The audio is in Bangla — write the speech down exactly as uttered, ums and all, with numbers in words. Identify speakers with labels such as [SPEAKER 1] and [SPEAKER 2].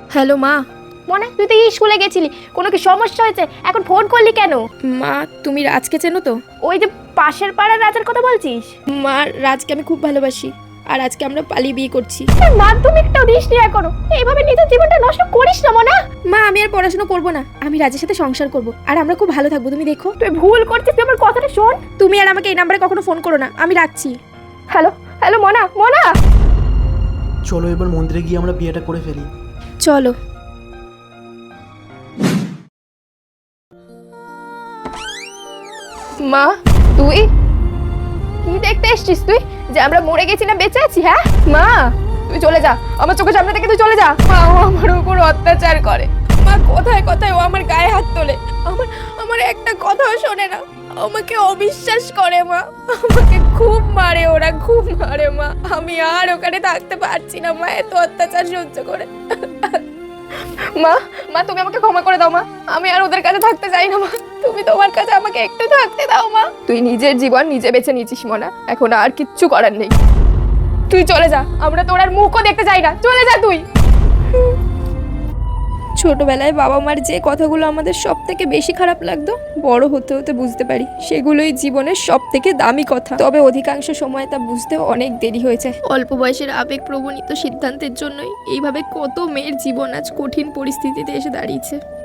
[SPEAKER 1] হ্যালো মা।
[SPEAKER 2] মনে তুই তো স্কুলে গেছিলি, কোনো কি সমস্যা হয়েছে? এখন ফোন করলি কেন?
[SPEAKER 1] মা তুমি রাজকে চেনো তো?
[SPEAKER 2] ওই যে পাশের পাড়ার রাজার কথা বলছিস?
[SPEAKER 1] মা রাজকে আমি খুব ভালোবাসি, আর আজকে আমরা পালিয়ে বিয়ে করছি।
[SPEAKER 2] মাধ্যমিকটাও দিস নি এখনো, এইভাবে নিজের জীবনটা নষ্ট করিস না মনা।
[SPEAKER 1] মা আমি আর পড়াশোনা করবো না, আমি রাজের সাথে সংসার করব, আর আমরা খুব ভালো থাকবো, তুমি দেখো।
[SPEAKER 2] তুই ভুল করছিস, তুই আমার কথাটা শোন।
[SPEAKER 1] তুমি আর আমাকে এই নাম্বারে কখনো ফোন করো না, আমি রাখছি।
[SPEAKER 2] হ্যালো হ্যালো মনা মনা
[SPEAKER 3] চলো এবার মন্দিরে গিয়ে আমরা বিয়েটা করে ফেলি।
[SPEAKER 1] চলো।
[SPEAKER 2] মা তুই কি দেখতে এসছিস তুই? যে আমরা মরে গেছি না বেঁচে আছি? হ্যাঁ মা তুই চলে যা, আমার চোখের সামনে থেকে তুই চলে যা। মা ও আমার উপর অত্যাচার করে।
[SPEAKER 1] মা কথায় কথায় ও আমার গায়ে হাত তোলে, আমার আমার একটা কথাও শোনে না, আমাকে অবিশ্বাস করে মা, আমাকে খুব মারে, ওরা খুব মারে মা। আমি আর ওখানে থাকতে পারছি না মা, এত অত্যাচার সহ্য করে।
[SPEAKER 2] মা মা তুমি আমাকে ক্ষমা করে দাও মা, আমি আর ওদের কাছে থাকতে চাই না মা, তুমি তোমার কাছে আমাকে একটু থাকতে দাও মা। তুই নিজের জীবন নিজে বেছে নিয়েছিস মনা, এখন আর কিচ্ছু করার নেই, তুই চলে যা, আমরা তোর আর মুখও দেখতে চাই না, চলে যা তুই।
[SPEAKER 1] ছোটবেলায় বাবা মার যে কথাগুলো আমাদের সব থেকে বেশি খারাপ লাগতো, বড় হতে হতে বুঝতে পারি সেগুলোই জীবনের সব থেকে দামি কথা। তবে অধিকাংশ সময় তা বুঝতে অনেক দেরি হয়েছে। অল্প বয়সের আবেগ প্রবণিত সিদ্ধান্তের জন্যই এইভাবে কত মেয়ের জীবন আজ কঠিন পরিস্থিতিতে এসে দাঁড়িয়েছে।